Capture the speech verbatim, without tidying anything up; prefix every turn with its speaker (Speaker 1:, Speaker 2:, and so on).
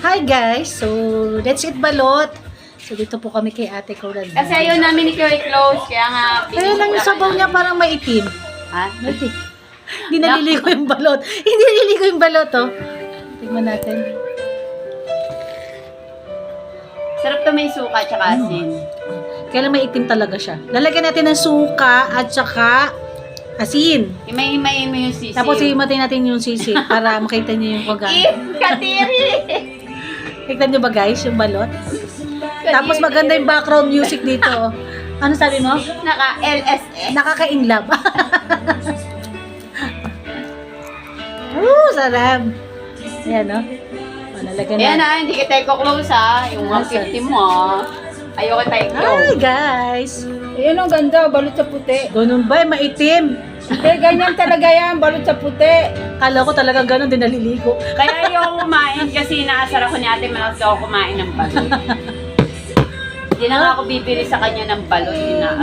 Speaker 1: Hi guys! So, let's eat balot. So, dito po kami kay ate ko.
Speaker 2: Kasi ayaw namin ni Kuya close, kaya nga...
Speaker 1: Kaya lang yung sabaw niya parang maitim.
Speaker 2: Ha?
Speaker 1: Maitim. Hindi naliligo yung balot. Hindi naliligo yung balot, oh. Tingnan natin.
Speaker 2: Sarap to, may suka tsaka asin.
Speaker 1: Kaya lang maitim talaga siya. Lalagyan natin ng suka at saka asin.
Speaker 2: Himay-himayin mo yung sisi.
Speaker 1: Tapos himatay natin yung sisi para makita niyo yung kung
Speaker 2: Eh, katiri!
Speaker 1: Tignan niyo ba guys, yung balot? Tapos maganda yung background music dito. Oh. Ano sabi mo?
Speaker 2: Naka-L S S.
Speaker 1: Nakaka-inlove. Woo, sarap. Ayan, no? O, nalagyan
Speaker 2: Ayan
Speaker 1: na.
Speaker 2: na, hindi kita close ha. Yung one fifty mo ha. Ayoko tayo
Speaker 1: Hi,
Speaker 2: close.
Speaker 1: guys.
Speaker 3: Ayan ang ganda, balot sa puti.
Speaker 1: Ganun ba? Maitim.
Speaker 3: Hindi, ganyan talaga yan, balot sa puti.
Speaker 1: Kala ko talaga ganun, din naliligo.
Speaker 2: Kaya ayoko kumain kasi inaasar ako ni ate Malakas ako kumain ng balot. Hindi na nga ako bibili sa kanya ng balot. Ina